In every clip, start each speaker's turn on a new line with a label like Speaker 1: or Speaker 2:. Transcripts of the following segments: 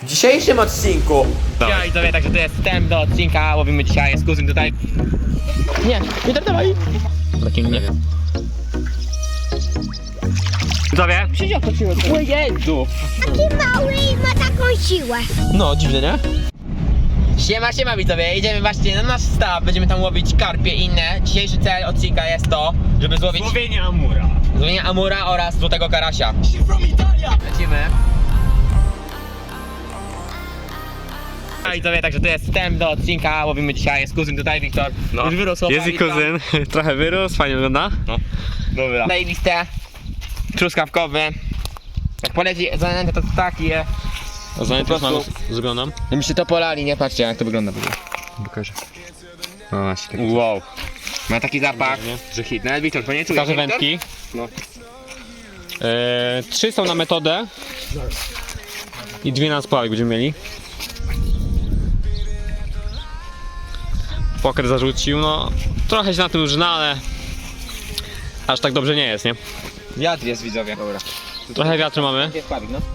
Speaker 1: W dzisiejszym odcinku.
Speaker 2: Ja i to wie, także to jest wstęp do odcinka, łowimy dzisiaj, jest kuzyn tutaj. Nie, nie dawaj. Takim nie wiem. Widzowie? O Jezu!
Speaker 3: Taki mały i ma taką siłę.
Speaker 1: No, dziwne, nie?
Speaker 2: Siema widzowie, idziemy właśnie na nasz staw, będziemy tam łowić karpie i inne. Dzisiejszy cel odcinka jest to, żeby złowić
Speaker 4: Złowienie amura.
Speaker 2: złowienie amura oraz złotego karasia. Lecimy. Ja i to wie, także to jest wstęp do odcinka, łowimy dzisiaj, jest kuzyn tutaj, Wiktor.
Speaker 4: No.
Speaker 2: Już wyrósł.
Speaker 4: Jest i kuzyn, trochę wyrósł, fajnie wygląda.
Speaker 2: No.
Speaker 4: Dobra.
Speaker 2: Zajebiste, truskawkowy. Jak poleci zanętę, to taki je.
Speaker 4: A zanim
Speaker 2: Po
Speaker 4: też mam
Speaker 2: prostu-
Speaker 4: zrobioną?
Speaker 2: Jakbyście to polali, nie patrzcie jak to wygląda.
Speaker 4: Pokażę. No właśnie.
Speaker 2: Wow. Ma taki zapach,
Speaker 4: Nie?
Speaker 2: że hit. Nawet Wiktor, to nie czuje.
Speaker 4: Pokażę
Speaker 2: nie, Wiktor?
Speaker 4: wędki.
Speaker 2: No.
Speaker 4: 3 są na metodę. I 2 na spławik będziemy mieli. Poker zarzucił, no trochę się na tym żna, ale aż tak dobrze nie jest, nie?
Speaker 2: Wiatr jest, widzowie. Dobra.
Speaker 4: Trochę wiatru mamy.
Speaker 2: Jest pawik, no.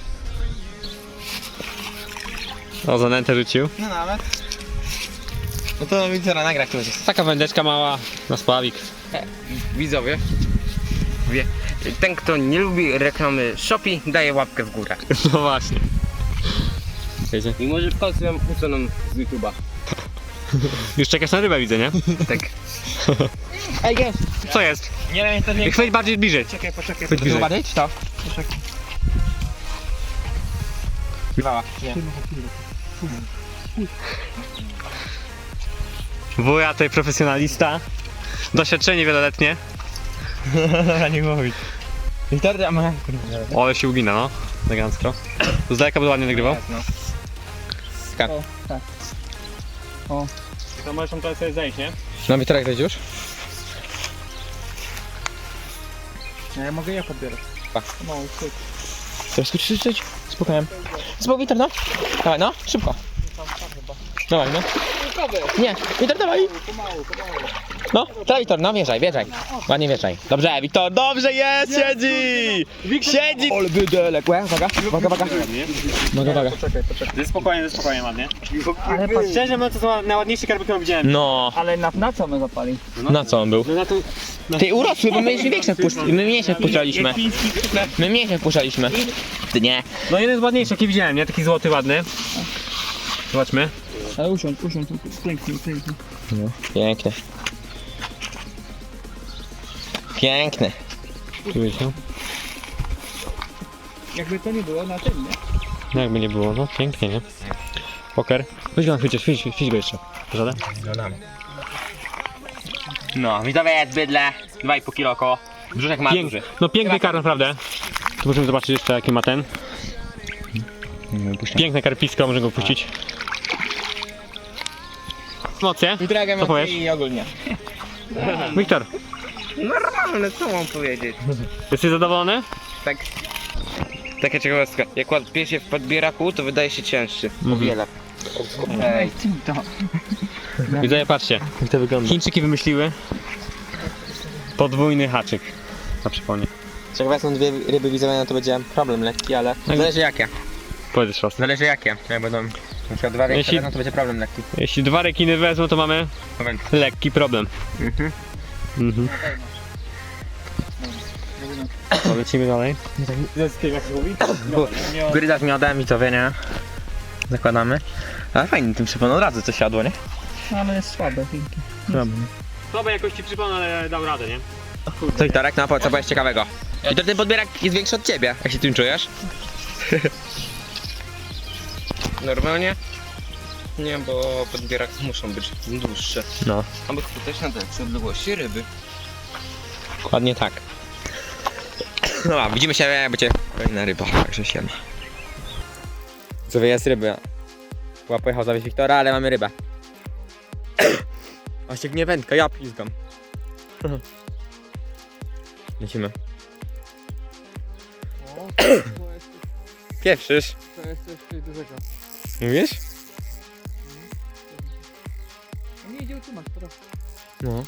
Speaker 4: O, zanętę rzucił.
Speaker 2: No nawet. No to Wiktora nagra któryś.
Speaker 4: Taka wędeczka mała na spławik.
Speaker 5: Widzowie, ten kto nie lubi reklamy Shopee, daje łapkę w górę.
Speaker 4: No właśnie. Wiecie?
Speaker 5: I może w końcu ją usuną z YouTube'a.
Speaker 4: Już czekasz na rybę, widzę, nie?
Speaker 5: Tak.
Speaker 2: Ej, jest!
Speaker 4: Co jest?
Speaker 2: Nie wiem, to nie...
Speaker 4: Chwyć bardziej bliżej.
Speaker 2: Czekaj, poczekaj.
Speaker 4: Chwyć bliżej.
Speaker 2: Zobaczyć to? Poczekaj. Mała, nie.
Speaker 4: Wuja tutaj profesjonalista. Doświadczenie wieloletnie.
Speaker 2: Dobra, nie mówić. Wiktor, a ma...
Speaker 4: O, ale się ugina, no. Elegancko. Z daleka by ładnie nagrywał.
Speaker 2: No.
Speaker 4: To możesz tam teraz sobie zejść, nie?
Speaker 2: No Wiktor, jak już?
Speaker 1: Ja mogę je podbierać.
Speaker 2: No, chcesz krzyczeć? Spokojnie. Spokój, Wiktor, no. Dawaj, no, szybko. Dawaj, no. Nie, Wiktor, dawaj. No, teraz Wiktor, no wjeżdżaj. Ładnie wjeżdżaj. Dobrze, Wiktor, dobrze jest, siedzi! Siedzi! Ole wydelek, uwaga. Uwaga.
Speaker 4: Ze spokojnie, ładnie. Ale szczerze mówiąc, to są najładniejsze karpy, które widziałem.
Speaker 2: No,
Speaker 1: Ale na co my zapali?
Speaker 2: na co on był?
Speaker 4: No na to...
Speaker 2: Ty urosły, bo my jeszcze większe my mniejsze wpuszczaliśmy. My mniejsze wpuszczaliśmy. Ty nie.
Speaker 4: No jeden z ładniejszych, jaki widziałem, nie? Taki złoty, ładny. Zobaczmy.
Speaker 1: Ale usiądź, pięknie.
Speaker 2: Piękny. Piękny.
Speaker 4: Tu wiecie?
Speaker 1: Jakby to nie było na tym, nie?
Speaker 4: No jakby nie było, no pięknie, nie? Poker. Weź go na chwycie, chwyć go jeszcze. Żaden?
Speaker 2: No, widzowie jest bydle. 2,5 kg około. Brzuszek ma duży.
Speaker 4: No piękny karp naprawdę. Tu możemy zobaczyć jeszcze jaki ma ten. Piękne karpisko, możemy go puścić. Emocje? Co powiesz?
Speaker 2: I ogólnie.
Speaker 4: Wiktor,
Speaker 5: Normalne, co mam powiedzieć?
Speaker 4: jesteś zadowolony?
Speaker 5: Tak. Taka ciekawostka. Jak ładnie się w podbieraku, to wydaje się cięższy. O wiele.
Speaker 1: Ej, to.
Speaker 4: Widzowie, patrzcie, jak to wygląda. Chińczyki wymyśliły podwójny haczyk na przypomnie.
Speaker 2: Jak wezmą dwie ryby widzowie, no to będzie problem lekki, ale zależy jakie.
Speaker 4: Powiedz raz.
Speaker 2: Zależy jakie. Jak będą na przykład dwa większe,
Speaker 4: Jeśli-
Speaker 2: no to będzie problem lekki.
Speaker 4: Jeśli 2 rekiny wezmą, to mamy
Speaker 2: Moment.
Speaker 4: lekki problem. Mhm. To lecimy dalej.
Speaker 2: Gryza z miodem i to wie, nie? Zakładamy. Ale fajnie tym przypomnę, od razu to siadło, nie?
Speaker 1: Ale jest słabe, pięknie.
Speaker 4: Słabej jakości przypomnę, ale dał radę, nie?
Speaker 2: Co i Torek, no co jest ciekawego? I to ten podbierak jest większy od ciebie, jak się tym czujesz?
Speaker 5: Normalnie? Nie, bo podbieraki muszą być dłuższe.
Speaker 2: No.
Speaker 5: Aby chwytać na dłuższej odległości ryby.
Speaker 2: Dokładnie tak. No widzimy się, jak będzie kolejna ryba, także siema. Co jest ryba? Chyba pojechał zawieźć Wiktora, ale mamy rybę. Właśnie nie wędka, ja pizgam. Lecimy. Pieprzysz?
Speaker 1: To jest coś dużego.
Speaker 2: Mówisz?
Speaker 1: Nie idzie utrzymać, teraz.
Speaker 2: No.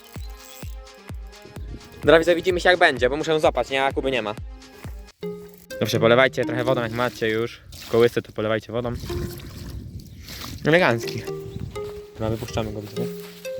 Speaker 2: Dobra, widzimy się jak będzie, bo muszę ją złapać, nie? A Kuby nie ma. Dobrze, polewajcie trochę wodą, jak macie już kołysy, to polewajcie wodą. Elegancki. No, wypuszczamy go, widzę.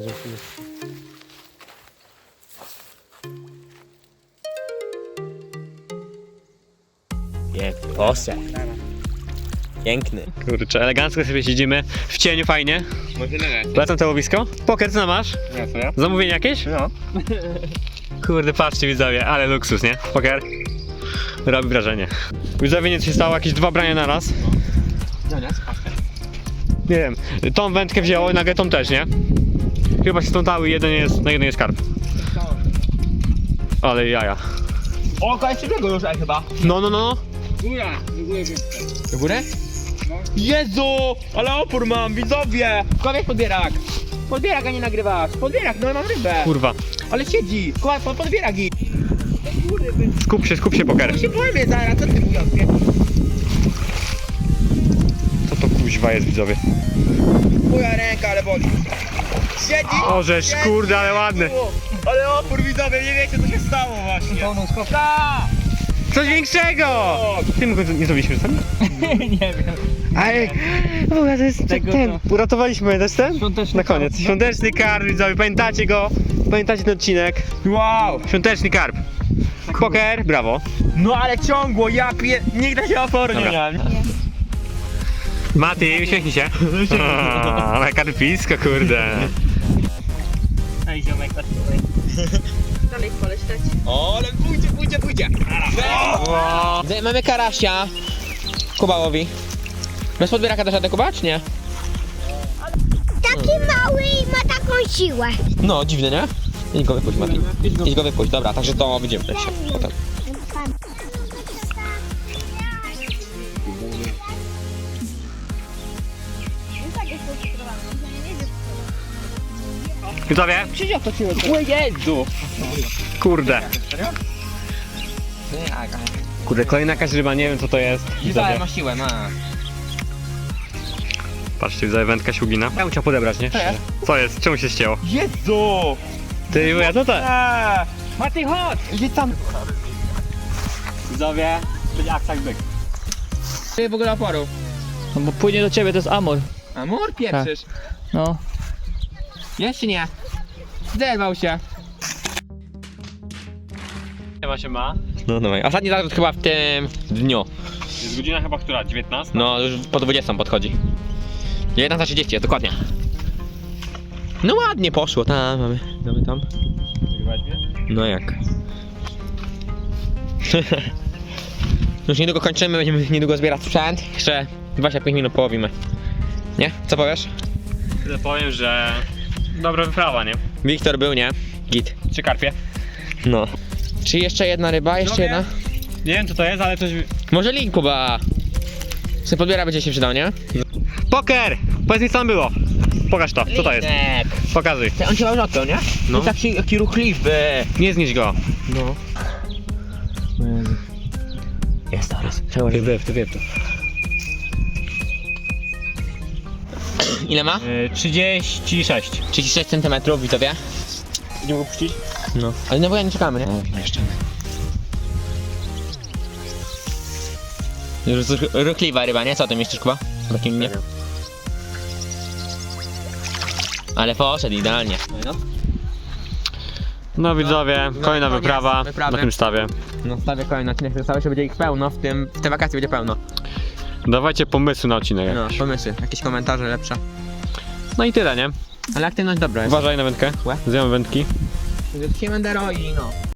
Speaker 2: Piękny posek. Piękny.
Speaker 4: Kurczę, elegancko sobie siedzimy. W cieniu fajnie.
Speaker 5: Może nie.
Speaker 4: Polecam to łowisko. Poker, co masz?
Speaker 5: Ja co ja?
Speaker 4: Zamówienie jakieś?
Speaker 5: No.
Speaker 4: Kurde, patrzcie widzowie, ale luksus, nie? Poker. Robi wrażenie. Widzowie, nic się stało, jakieś 2 brania na raz. Nie wiem, tą wędkę wzięło i nagle tą też, nie? Chyba się stątały, na jeden jest karp. Ale jaja.
Speaker 2: O, kończy tego już chyba.
Speaker 4: No.
Speaker 5: Góra, do góry
Speaker 2: Do góry? Jezu! Ale opór mam, widzowie! Kowiek podbierak! Podbierak, a nie nagrywasz! Podbierak, no mam rybę!
Speaker 4: Kurwa.
Speaker 2: Ale siedzi! Podbierak i...
Speaker 4: Skup się, poker.
Speaker 2: Ja się boję zaraz, co ty mówisz?
Speaker 4: Co to kuźwa jest, widzowie?
Speaker 2: Moja ręka, ale boli. Siedzi!
Speaker 4: O, żeś, kurde, ale ładny.
Speaker 2: Ale opór, widzowie, nie wiecie co się stało właśnie!
Speaker 1: Pełną skopę.
Speaker 4: Coś większego! Tym nie zrobiliśmy sami?
Speaker 1: Nie wiem.
Speaker 4: Ale w ogóle to jest
Speaker 1: Tego
Speaker 4: ten. Uratowaliśmy też ten?
Speaker 1: Świąteczny
Speaker 4: Na koniec.
Speaker 1: karp.
Speaker 4: Świąteczny karp, widzowie, pamiętacie go? Pamiętacie ten odcinek?
Speaker 2: Wow!
Speaker 4: Świąteczny karp. Poker, brawo.
Speaker 2: No ale ciągło, nigdy się oporu nie
Speaker 4: Dobra.
Speaker 2: miałem.
Speaker 4: Mati, uśmiechnij się. Ale karpisko, kurde.
Speaker 1: Ej, ziomek, patrz tutaj.
Speaker 3: Dalej poleć dać.
Speaker 2: O, ale pójdzie! Mamy karasia. Kuba łowi. Bez podbieraka też radę, Kuba, czy nie?
Speaker 3: Taki mały i ma taką siłę.
Speaker 2: No, dziwne, nie? Idź go wypuść, Mati. Idź go wypuść, dobra, także to widzimy jeszcze potem.
Speaker 4: Widzowie,
Speaker 2: Przyjdzie to ciło. O Jezu!
Speaker 4: kurde. Kurde, kolejna jakaś ryba, nie wiem co to jest.
Speaker 2: Widzowie
Speaker 4: Widzowie.
Speaker 2: ma siłę, ma.
Speaker 4: Patrzcie, widzowie, wędka ślugina. Ja bym chciał podebrać, nie?
Speaker 2: Co jest?
Speaker 4: Co jest? Czemu się ścięło?
Speaker 2: Jezu!
Speaker 4: Ty, ja co to?
Speaker 2: Mati, chodź! Gdzie tam?
Speaker 4: Widzowie, będzie aksak byk.
Speaker 2: Ty w ogóle oporu.
Speaker 1: No bo płynie do ciebie, to jest amor.
Speaker 2: Amor pieprzysz.
Speaker 1: No.
Speaker 2: Jeszcze nie. Zerwał się.
Speaker 4: Nie ma.
Speaker 2: No dawaj. Ostatni zarzut chyba w tym dniu.
Speaker 4: Jest godzina chyba która? 19?
Speaker 2: No już po 20 podchodzi. 19:30 jest dokładnie. No ładnie poszło, tam mamy tam. No jak? Już niedługo kończymy, będziemy niedługo zbierać sprzęt. Jeszcze 25 minut połowimy. Nie? Co powiesz?
Speaker 4: Tyle powiem, że dobra wyprawa, nie?
Speaker 2: Wiktor był, nie? Git.
Speaker 4: 3 karpie.
Speaker 2: No. Czy jeszcze jedna ryba? Jeszcze jedna?
Speaker 4: Nie wiem co to jest, ale coś...
Speaker 2: Może link, Kuba. Se podbiera będzie się przydał, nie?
Speaker 4: Poker! Powiedz mi co tam było. Pokaż to, co to jest? Pokazuj.
Speaker 2: On się ma odpiął, nie?
Speaker 4: No.
Speaker 2: No. Taki ruchliwy.
Speaker 4: Nie znieść go.
Speaker 2: No. Jest teraz. Czego
Speaker 4: Ty wyp to.
Speaker 2: Ile ma?
Speaker 4: 36.
Speaker 2: 36 cm, widzowie.
Speaker 4: Nie mogę puścić?
Speaker 2: No. Ale no bo ja nie czekamy, nie? No, jeszcze. Już ruchliwa ryba, nie? Co ty myślisz, Kuba? Takim nie. Ale poszedł idealnie.
Speaker 4: No widzowie, kolejna
Speaker 2: koniec
Speaker 4: wyprawa
Speaker 2: wyprawy.
Speaker 4: na tym stawie.
Speaker 2: No stawię kolejny odcinek, zostało się będzie ich pełno, w te wakacje będzie pełno.
Speaker 4: Dawajcie pomysły na odcinek.
Speaker 2: No, pomysły, jakieś komentarze lepsze.
Speaker 4: No i tyle, nie?
Speaker 2: Ale aktywność dobra jest.
Speaker 4: Uważaj na wędkę.
Speaker 2: Łe.
Speaker 4: Zjemy wędki.
Speaker 2: Siemendero i no.